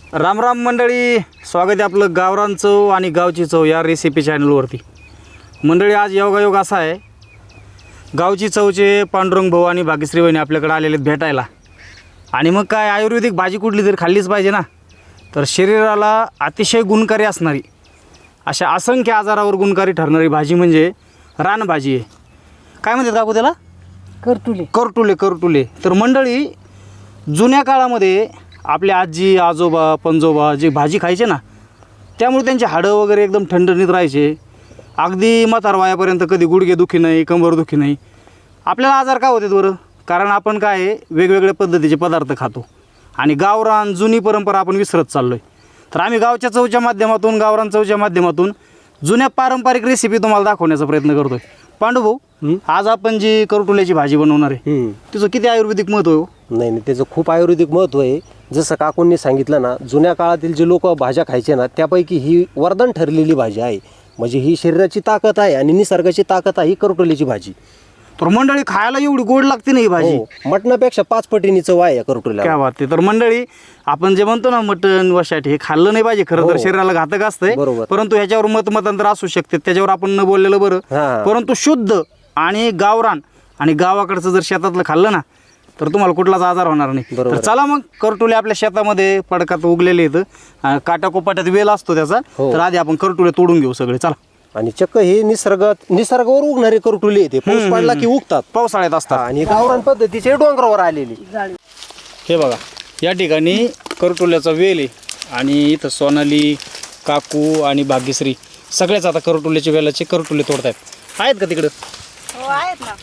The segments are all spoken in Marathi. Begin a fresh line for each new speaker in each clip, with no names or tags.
राम राम मंडळी, स्वागत आहे आपलं गावरान चव आणि गावची चव या रेसिपी चॅनलवरती. मंडळी, आज योगायोग असा आहे, गावची चवचे पांडुरंग भाऊ आणि भाग्यश्री वहिनी आपल्याकडे आलेले आहेत भेटायला. आणि मग काय, आयुर्वेदिक भाजी कुठली तरी खाल्लीच पाहिजे ना. तर शरीराला अतिशय गुणकारी असणारी, अशा असंख्य आजारावर गुणकारी ठरणारी भाजी म्हणजे रानभाजी आहे. काय म्हणतात काकू त्याला? करटुले. तर मंडळी, जुन्या काळामध्ये आपल्या आजी आजोबा पंजोबा जे भाजी खायचे ना, त्यामुळे त्यांचे हाडं वगैरे एकदम ठणठणीत राहायचे. अगदी म्हातारवयापर्यंत कधी गुडघे दुखी नाही, कंबर दुखी नाही. आपल्याला आजार का होते बरं? कारण आपण काय आहे, वेगवेगळ्या पद्धतीचे पदार्थ खातो आणि गावरान जुनी परंपरा आपण विसरत चाललो आहे. तर आम्ही गावच्या चवच्या माध्यमातून, गावरान चवच्या माध्यमातून जुन्या पारंपरिक रेसिपी तुम्हाला दाखवण्याचा प्रयत्न करतो आहे. पांडू भाऊ, आज आपण जी करटुल्याची भाजी बनवणार आहे, तिचं किती आयुर्वेदिक महत्त्व आहे?
नाही, त्याचं खूप आयुर्वेदिक महत्त्व आहे. जसं काकूंनी सांगितलं ना, जुन्या काळातील जे लोक भाज्या खायचे ना, त्यापैकी ही वरदान ठरलेली भाजी आहे. म्हणजे ही शरीराची ताकद आहे आणि निसर्गाची ताकद आहे ही करटुल्याची भाजी.
तर मंडळी, खायला एवढी गोड लागते ना ही भाजी,
मटणापेक्षा 5 पटीने चव आहे या करटुल्याला.
काय बात आहे. तर मंडळी, आपण जे म्हणतो ना मटण वशाट, हे खाल्लं नाही पाहिजे खरं तर, शरीराला घातक असतंय. परंतु ह्याच्यावर मतांतर असू शकते, त्याच्यावर आपण न बोललेलं बरं. परंतु शुद्ध आणि गावरान आणि गावाकडचं जर शेतातलं खाल्लं ना, तर तुम्हाला कुठलाच आजार होणार नाही. तर चला मग, करटुले आपल्या शेतामध्ये पडकात उगलेले आहेत, काटाकोपाट्यात वेल असतो त्याचा. तर आधी आपण करटुले तोडून घेऊ सगळे, चला.
आणि चक्क हे निसर्गावर उगणारे करटुले येते, पाऊस पडला की उगतात,
पावसाळ्यात असतात.
आणि गावरान पद्धतीचे डोंगरावर आलेली.
हे बघा, या ठिकाणी करटुल्याचा वेल आहे आणि इथं सोनाली, काकू आणि भाग्यश्री सगळेच आता करटुल्याच्या वेलाचे करटुले तोडतायत. आहेत का तिकडं?
हो, आहेत ना.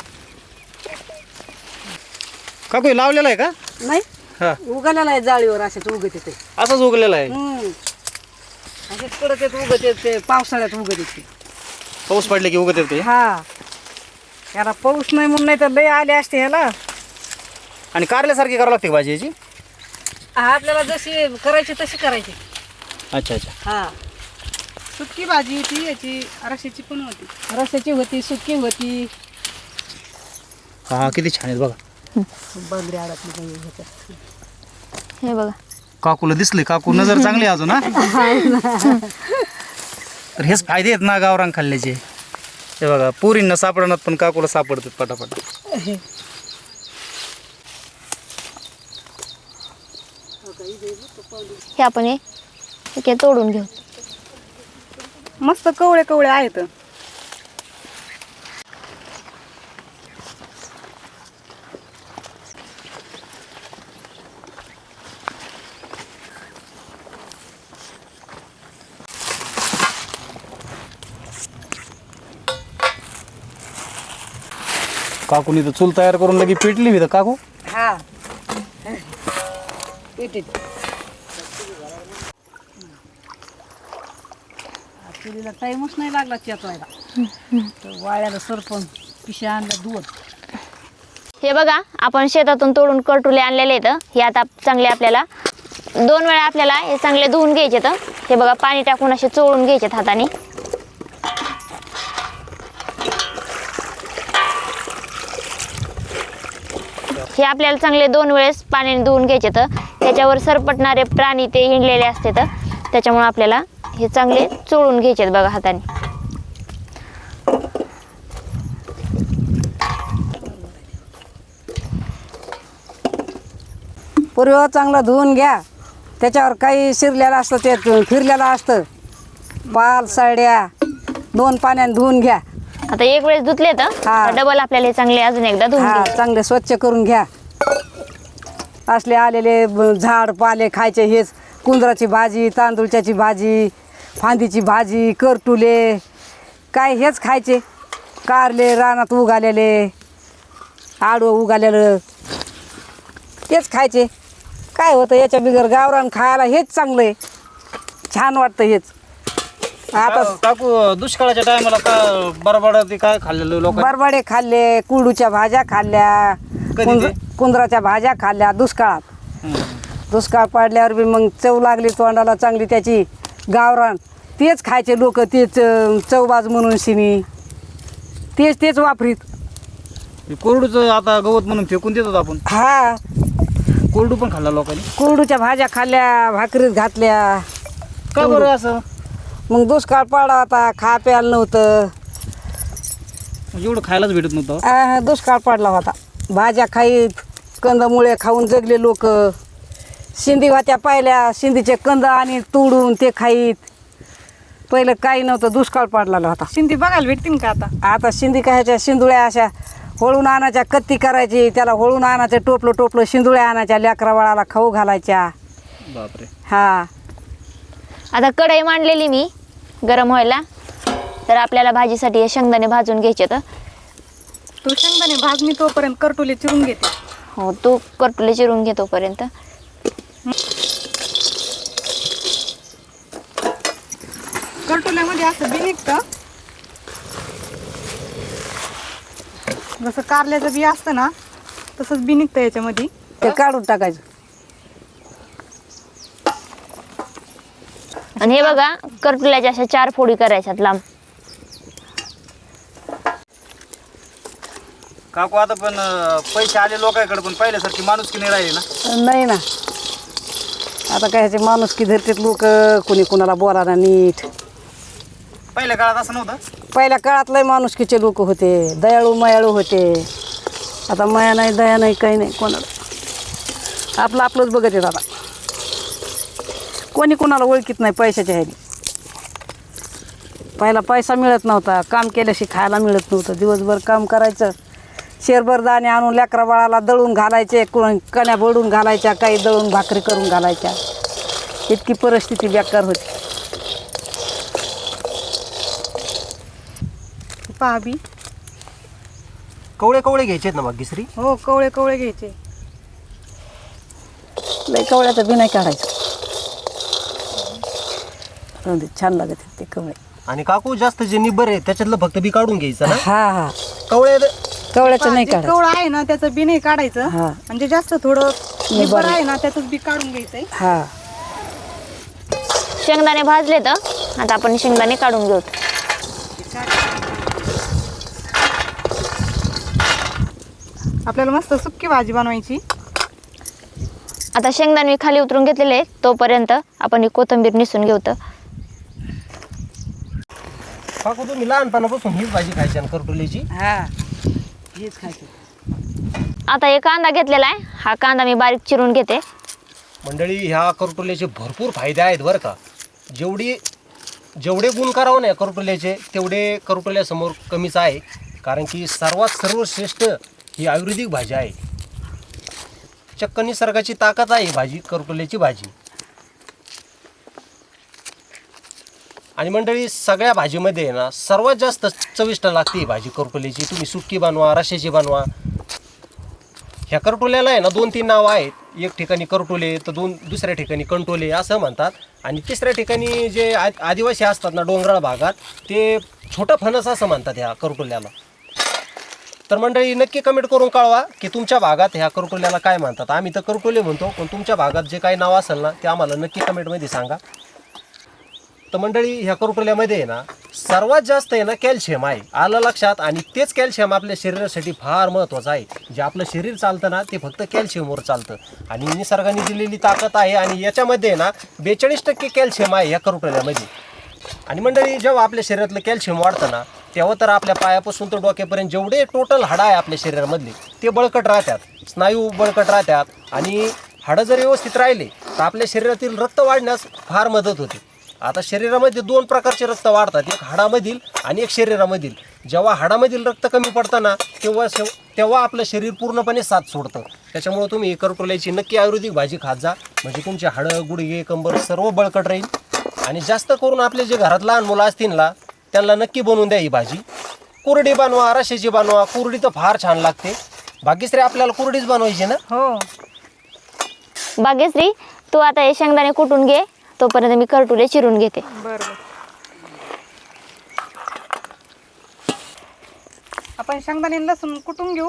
काकू हे लावलेलं आहे का?
नाही,
हा,
उगलेला आहे जाळीवर, असेच उगत येते.
असंच उगलेलं आहे.
असेच कडक येत उगत येते, पावसाळ्यात उगत येते.
पाऊस पडले की उगत येते.
हा, याला पाऊस नाही म्हणून, नाही तर लय आले असते ह्याला.
आणि कारल्यासारखी करावं लागते भाजी याची?
आपल्याला जशी करायची तशी करायची.
अच्छा.
हा, सुकी भाजी ती याची रश्याची पण होती, रश्याची होती, सुकी होती.
हा, किती छान आहेत बघा.
बांगडी अडकली
हे बघा,
काकूला दिसले, काकू नजर चांगली अजून. हा, तर हेच फायदे आहेत ना गावरान खाल्ल्याचे. हे बघा, पोरींना सापडणार पण काकूला सापडतात पटापट.
हे आपण हे तोडून घेऊ.
मस्त कवळे कवळे आहेत.
काकूनी तर चूल तयार करून लगी पेटली मी तर काकू.
हा, पेटीत चुलीला टाईमच नाही लागला चेतवायला. तर वाळ्याला सरपण पिशा आणल्या दूध.
हे बघा, आपण शेतातून तोडून करटुले आणलेले आहेत. हे आता चांगले आपल्याला 2 वेळा आपल्याला हे चांगले धुवून घ्यायचे. तर हे बघा, पाणी टाकून असे चोळून घ्यायचे हाताने. हे आपल्याला चांगले 2 वेळेस पाण्याने धुवून घ्यायचे. तर त्याच्यावर सरपटणारे प्राणी ते हिंडलेले असते, तर त्याच्यामुळे आपल्याला हे चांगले चोळून घ्यायचे बघा हाताने.
पूर्व चांगलं धुवून घ्या. त्याच्यावर काही शिरलेलं असतं, ते फिरलेलं असतं, पाल साड्या 2 पाण्याने धुवून घ्या.
आता एक वेळेस धुतले तर डबल आपल्याला हे चांगले अजून एकदा धुवून घ्यायचे.
चांगले स्वच्छ करून घ्या. असले आलेले झाड पाले खायचे, हेच कुंदराची भाजी, तांदूळच्याची भाजी, फांदीची भाजी, करटुले, काय हेच खायचे. कारले रानात उगालेले, आडवं उगालेलं, तेच खायचे. काय होतं याच्या बिगर गावरान खायला हेच चांगलं आहे, छान वाटतं हेच.
आता काकू, दुष्काळाच्या टायमाला का बरबड ते काय खाल्लेलं लोक?
बरबडे खाल्ले, कुरडूच्या भाज्या खाल्ल्या, कुंदराच्या भाज्या खाल्ल्या दुष्काळात. दुष्काळ पडल्यावर बी मग चव लागली तोंडाला चांगली त्याची. गावरान तेच खायचे लोक, तेच चवबाज म्हणून शिनी तेच वापरीत.
कोरडूचं आता गवत म्हणून फेकून देतात आपण.
हा,
कोरडू पण खाल्ला लोकांनी.
कोरडूच्या भाज्या खाल्ल्या, भाकरीत घातल्या.
का बरं असं?
मग दुष्काळ पडला होता, खा प्यायला नव्हतं.
म्हणजे एवढं खायलाच भेटत नव्हतं.
दुष्काळ पडला होता. भाज्या खाईत, कंदमुळे खाऊन जगले लोक. शिंदी होत्या पाहिल्या, शिंदीचे कंद आणि तोडून ते खाईत. पहिलं काही नव्हतं, दुष्काळ पडलेला होता.
शिंदी बघायला भेटतील का आता?
आता शिंदी कायच्या शिंदुळ्या अशा होळून आणायच्या, कत्ती करायची, त्याला होळून आणायचं, टोपलं टोपलं शिंदुळ्या आणायच्या, लेकरा बाळाला खाऊ घालायच्या.
बापरे.
हा.
आता कढई मांडलेली मी गरम व्हायला. तर आपल्याला भाजीसाठी हे शेंगदाणे भाजून घ्यायचे. तर
तू शेंगदाणे भाज, मी तोपर्यंत करटोले चिरून घेते.
हो, तू करटुले चिरून घे तोपर्यंत.
करटोल्यामध्ये असं बी निघतं, जसं कारल्याचं बी असतं ना तसंच बी निघतं याच्यामध्ये.
ते काढून टाकायचं.
आणि हे बघा, करटुल्याच्या अशा 4 फोडी करायच्यात लांब.
काकू आता पण पैसे आले लोकांकडे, पण पहिल्यासारखी माणुसकी नाही राहिली ना.
नाही ना, आता काय ह्याचे माणुसकी धरतेत लोक, कोणी कोणाला बोलायला नीट.
पहिल्या काळात असं नव्हतं.
पहिल्या काळात लय माणुसकीचे लोक होते, दयाळू मयाळू होते. आता माया नाही, दया नाही, काही नाही कोणाला. आपलं आपलंच बघत येत आता. कोणी कोणाला ओळखीत नाही पैशाच्या ह्याने. पहिला पैसा मिळत नव्हता, काम केल्याशी खायला मिळत नव्हतं. दिवसभर काम करायचं, शेरभर दाणे आणून लेकरा बाळाला दळून घालायचे, कण्या बडून घालायच्या, काही दळून भाकरी करून घालायच्या. इतकी परिस्थिती बेकार होती.
पहा बी.
कवळे कवळे घ्यायचे आहेत ना भाग्यश्री?
हो, कवळे कवळे घ्यायचे.
लय कवळ्याचं बी नाही काढायचं. राहून दे, छान लागत आहेत ते कवळे.
आणि काकू जास्त जे निब्बर आहे त्याच्यातलं फक्त बी काढून घ्यायचं ना.
हा हा,
कवळे
कवळ्याचं नाही
जे
काढायचं.
कवळं आहे ना त्याचं बी नाही काढायचं.
हा.
म्हणजे जास्त थोडं निब्बर आहे ना त्याचंच बी काढून घ्यायचंय.
हा.
शेंगदाणे भाजले. तर आता आपण शेंगदाणे काढून घेऊ.
आपल्याला मस्त सुक्की भाजी बनवायची.
आता शेंगदाणे मी खाली उतरून घेतलेले आहेत. तोपर्यंत आपण ही कोथिंबीर निसून घेऊ. तर
काकू तुम्ही लहानपणापासून हीच भाजी खायची ना करटोलीची?
हा, हेच खायचं.
आता एक कांदा घेतलेला आहे. हा कांदा मी बारीक चिरून घेते.
मंडळी, ह्या करटोल्याचे भरपूर फायदे आहेत बरं का. जेवढे गुण करावं ना या करटोल्याचे, तेवढे करटोल्यासमोर कमीच आहे. कारण की सर्वश्रेष्ठ ही आयुर्वेदिक भाजी आहे. चक्क निसर्गाची ताकद आहे ही भाजी, करटोल्याची भाजी. आणि मंडळी, सगळ्या भाजीमध्ये आहे ना सर्वात जास्त चविष्ट लागते ही भाजी करटोल्याची. तुम्ही सुक्की बनवा, रश्श्याची बनवा. ह्या करटोल्याला आहे ना 2-3 नावं आहेत. एक ठिकाणी करटोले, तर दुसऱ्या ठिकाणी कंटोले असं म्हणतात. आणि तिसऱ्या ठिकाणी जे आदिवासी असतात ना डोंगराळ भागात, ते छोटं फणस असं म्हणतात ह्या करटोल्याला. तर मंडळी, नक्की कमेंट करून कळवा की तुमच्या भागात ह्या करटोल्याला काय म्हणतात. आम्ही तर करटोले म्हणतो, पण तुमच्या भागात जे काही नाव असेल ना ते आम्हाला नक्की कमेंटमध्ये सांगा. तर मंडळी, ह्या करटोल्यामध्ये आहे ना सर्वात जास्त आहे ना कॅल्शियम आहे. आलं लक्षात? आणि तेच कॅल्शियम आपल्या शरीरासाठी फार महत्त्वाचं आहे. जे आपलं शरीर चालतं ना ते फक्त कॅल्शियमवर चालतं. आणि निसर्गाने दिलेली ताकद आहे. आणि याच्यामध्ये आहे ना 42% कॅल्शियम आहे या करटोल्यामध्ये. आणि मंडळी, जेव्हा आपल्या शरीरातलं कॅल्शियम वाढतं ना, तेव्हा तर आपल्या पायापासून तर डोक्यापर्यंत जेवढे टोटल हाडं आहे आपल्या शरीरामधले ते बळकट राहतात, स्नायू बळकट राहतात. आणि हाडं जर व्यवस्थित राहिले तर आपल्या शरीरातील रक्त वाढण्यास फार मदत होते. आता शरीरामध्ये 2 प्रकारचे रक्त वाढतात, एक हाडामधील आणि एक शरीरामधील. जेव्हा हाडामधील रक्त कमी पडतं ना तेव्हा आपलं शरीर पूर्णपणे साथ सोडतं. त्याच्यामुळे तुम्ही करटोल्याची नक्की आयुर्वेदिक भाजी खात जा, म्हणजे तुमचे हाडं, गुडघे, कंबर सर्व बळकट राहील. आणि जास्त करून आपले जे घरात लहान मुलं असतील ना त्यांना नक्की बनवून द्या ही भाजी. कुरडी बनवा, रश्श्याची बनवा. कुरडी तर फार छान लागते. भाग्यश्री, आपल्याला कुरडीच बनवायची ना?
हो.
भाग्यश्री, तू आता हे शेंगदाणे कुटून घे. तोपर्यंत मी करटुले चिरून घेते.
बरं. आपण शेंगदाणे आणि लसूण कुटून घेऊ.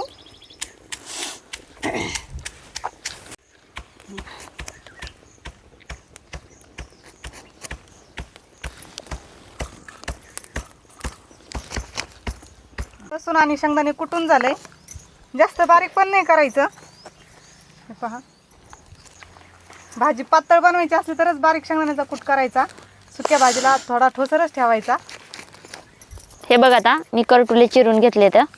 लसूण आणि शेंगदाणे कुटून झाले. जास्त बारीक पण नाही करायचं. हे पहा, भाजी पातळ बनवायची असली तरच बारीक शेंगदाण्याचा कूट करायचा. सुक्या भाजीला थोडा ठोसरच ठेवायचा.
हे बघ आता मी करटुले चिरून घेतले तर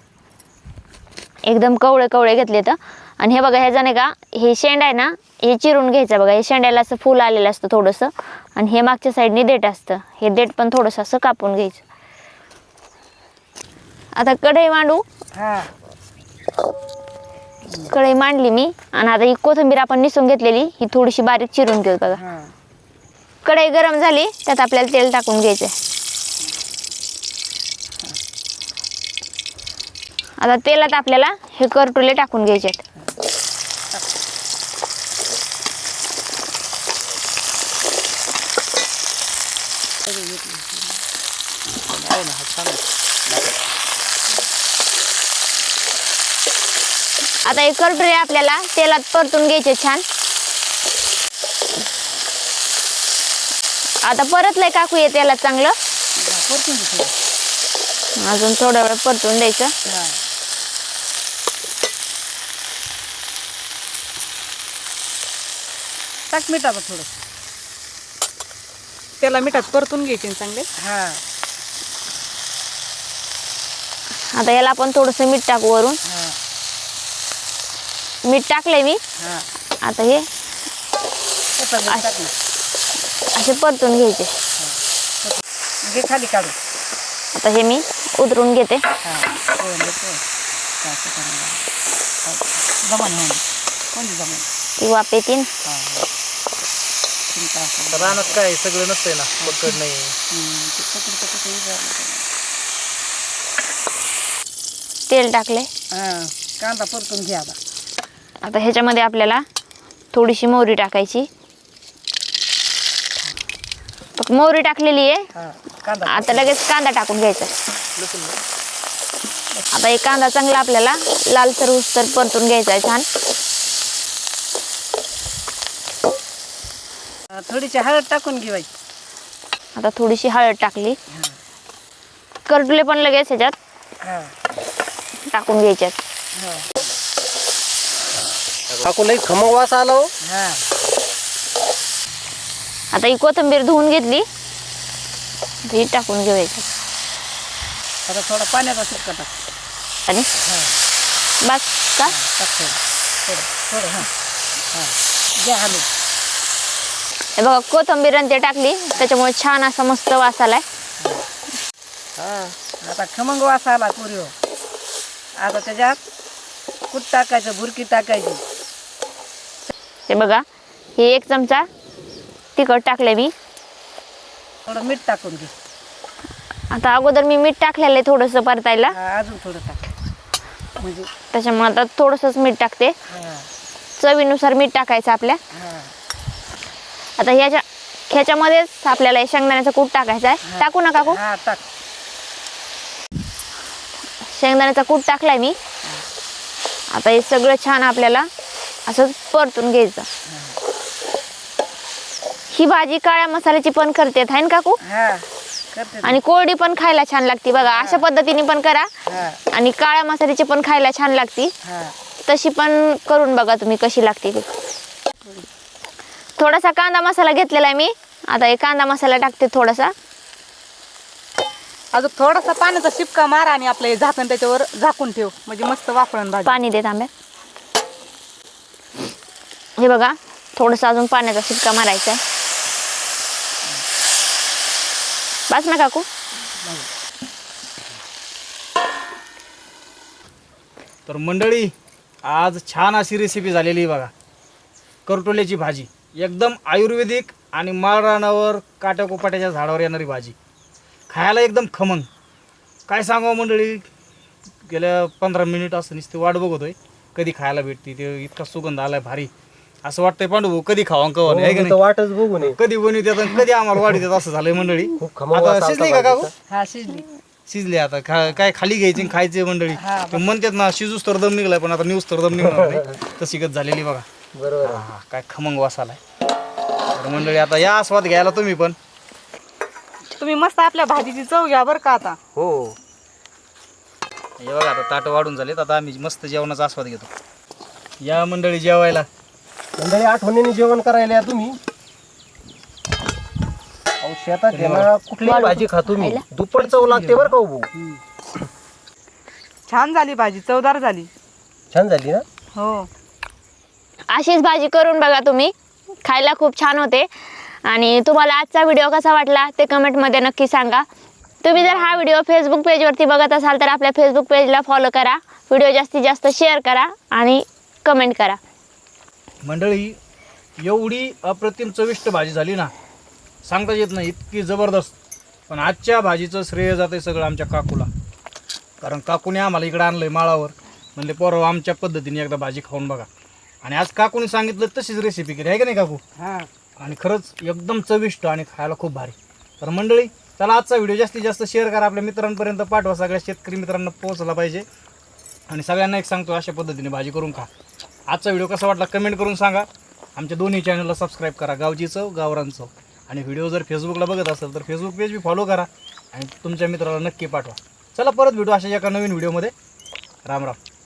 एकदम कवळे कवळे घेतले तर. आणि हे बघा ह्याच्याने का हे शेंड आहे ना हे चिरून घ्यायचं बघा. हे शेंड्याला असं फूल आलेलं असतं थोडंसं आणि हे मागच्या साईडने देठ असतं. हे देठ पण थोडंसं असं कापून घ्यायचं. आता कढई मांडू.
हा
कढई मांडली मी आणि आता ही कोथिंबीर आपण निसून घेतलेली ही थोडीशी बारीक चिरून घेऊ बघा.
हा
कढई गरम झाली त्यात आपल्याला तेल टाकून घ्यायचं. आता तेलात आपल्याला हे करटुले टाकून घ्यायचे आहेत. आता हे करटुले आपल्याला तेलात परतून घ्यायचे छान. आता परतलंय काकू हे तेलात चांगलं.
परतून घे.
अजून थोडा वेळ परतून द्यायचं.
हा टाक मीठ आता थोडं.
त्याला मिठात परतून घ्यायचे चांगले.
हा
आता याला आपण थोडंसं मीठ टाकू वरून.
हा
मीठ टाकलंय मी.
हा
आता हे
तसं मीठ टाक ना.
असे परतून घ्यायचे.
घे खाली काढू.
आता हे मी उतरून घेते.
हा हो नको. जमान हो कोणती जमान.
ती वाफ येतील.
चिंता असं.
रानात काय सगळं नसतंय ना, पकड नाही.
तेल टाकले.
हा कांदा परतून घे आता.
आता ह्याच्यामध्ये आपल्याला थोडीशी मोहरी टाकायची. मोहरी टाकलेली आहे.
हा कांदा
आता लगेच कांदा टाकून घ्यायचा. आता एक कांदा चांगला आपल्याला लालसर उसतर परतून घ्यायचा आहे छान.
थोडीशी हळद टाकून घेवायची.
आता थोडीशी हळद टाकली. करटुले पण लगेच ह्याच्यात
हा
टाकून घ्यायच्यात.
हा
काकू लई खमंग वास आला हो.
हा
आता ही कोथिंबीर धुवून घेतली. ही टाकून घेऊयाची.
आता थोडा पाण्याचा सुक्का टाक.
आणि बस का
टाक थोडं थोडं थोडं हां हां घ्या हलवून.
हे बघा कोथिंबीर आणि ते टाकली त्याच्यामुळे छान असा मस्त वास आलाय.
हा आता खमंग वास आला पुरी हो. आता त्याच्यात कूट टाकायचं, भुरकी टाकायची.
हे बघा हे 1 चमचा तिखट टाकले मी.
थोडं मीठ टाकून घे.
आता अगोदर मी मीठ टाकलेलं आहे थोडंसं परतायला.
हा अजून थोडं टाक म्हणजे
त्याच्यामुळे आता थोडंसंच मीठ टाकते.
हा
चवीनुसार मीठ टाकायचं आपल्या.
हा
आता ह्याच्यामध्येच आपल्याला हे शेंगदाण्याचा कूट टाकायचा आहे. टाकू नका काकू.
हा टाक.
शेंगदाण्याचा कूट टाकलाय मी. आता हे सगळं छान आपल्याला असंच परतून घ्यायचं. ही भाजी काळ्या मसाल्याची पण करते आहे ना काकू.
हा करते.
आणि कोरडी पण खायला छान लागते बघा. अशा पद्धतीने पण करा.
हा
आणि काळ्या मसाल्याची पण खायला छान लागते.
हा
तशी पण करून बघा तुम्ही कशी लागते ती. थोडासा कांदा मसाला घेतलेला आहे मी. आता हे कांदा मसाला टाकते थोडासा.
अजून थोडासा पाण्याचा शिपका मार आणि आपलं हे झाकण त्याच्यावर झाकून ठेव म्हणजे मस्त वाफळण भाजी.
पाणी दे तांब्यात. हे बघा थोडंसं अजून पाण्याचा शिपका मारायचा आहे. बस ना काकू.
तर मंडळी आज छान अशी रेसिपी झालेली आहे बघा. करटोल्याची भाजी एकदम आयुर्वेदिक आणि माळरानावर काट्याकोपाट्याच्या झाडावर येणारी भाजी. खायला एकदम खमंग. काय सांगावं मंडळी, गेल्या 15 मिनिट असं नुसती वाट बघतोय कधी खायला भेटते. ते इतका सुगंध आलाय भारी. असं वाटतंय पांडू कधी खावा कवा नाही, आहे का
हो, तर
नाही.
वाटच बघू नये.
कधी बनवतात आणि कधी आम्हाला वाढीत येतात असं झालंय मंडळी.
खूप खमंग वास
आता
आलता
शिजली का काकू.
भाजीचा.
हा शिजली.
शिजले आता काय खाली घ्यायची आणि खायचे मंडळी.
हा,
ते म्हणतात ना शिजूस तर दम निघलाय पण आता न्यूज तर दम निघणार नाही. तशी गत झालेली बघा.
बरोबर आहे.
हा, काय खमंग वास आलाय. तर मंडळी आता या आस्वाद घ्यायला तुम्ही पण.
तुम्ही मस्त आपल्या भाजीची चव घ्या बरं का. आता
हो हे बघा आता ताटं वाढून झालेत. आता आम्ही मस्त जेवणाचा आस्वाद घेतो. या मंडळी जेवायला.
मंडळी आठवणीने जेवण करायला या तुम्ही. अहो शेतात आहे ना कुठलीही भाजी खातो मी, दुप्पट चव लागते बरं का हो भाऊ.
छान झाली भाजी, चवदार झाली.
छान झाली ना.
हो.
अशीच भाजी करून बघा तुम्ही, खायला खूप छान होते. आणि तुम्हाला आजचा व्हिडिओ कसा वाटला ते कमेंटमध्ये नक्की सांगा. तुम्ही जर हा व्हिडिओ फेसबुक पेजवरती बघत असाल तर आपल्या फेसबुक पेजला फॉलो करा, व्हिडिओ जास्तीत जास्त शेअर करा आणि कमेंट करा.
मंडळी, एवढी अप्रतिम चविष्ट भाजी झाली ना, सांगता येत नाही, इतकी जबरदस्त. पण आजच्या भाजीचं श्रेय जाते सगळं आमच्या काकूला. कारण काकूने आम्हाला इकडं आणलं आहे माळावर, म्हणले पोरं आमच्या पद्धतीने एकदा भाजी खाऊन बघा. आणि आज काकूने सांगितलं तशीच रेसिपी केली आहे का नाही काकू? आणि खरंच एकदम चविष्ट आणि खायला खूप भारी. तर मंडळी, चला आजचा व्हिडिओ जास्तीत जास्त शेअर करा, आपल्या मित्रांपर्यंत पाठवा, सगळ्या शेतकरी मित्रांना पोहोचला पाहिजे. आणि सगळ्यांना एक सांगतो, अशा पद्धतीने भाजी करून खा. आजचा व्हिडिओ कसा वाटला कमेंट करून सांगा. आमच्या दोन्ही चॅनलला सबस्क्राईब करा, गावची चव, गावरान चव. आणि व्हिडिओ जर फेसबुकला बघत असेल तर फेसबुक पेज बी फॉलो करा आणि तुमच्या मित्राला नक्की पाठवा. चला परत भेटू अशा एका नवीन व्हिडिओमध्ये. राम राम.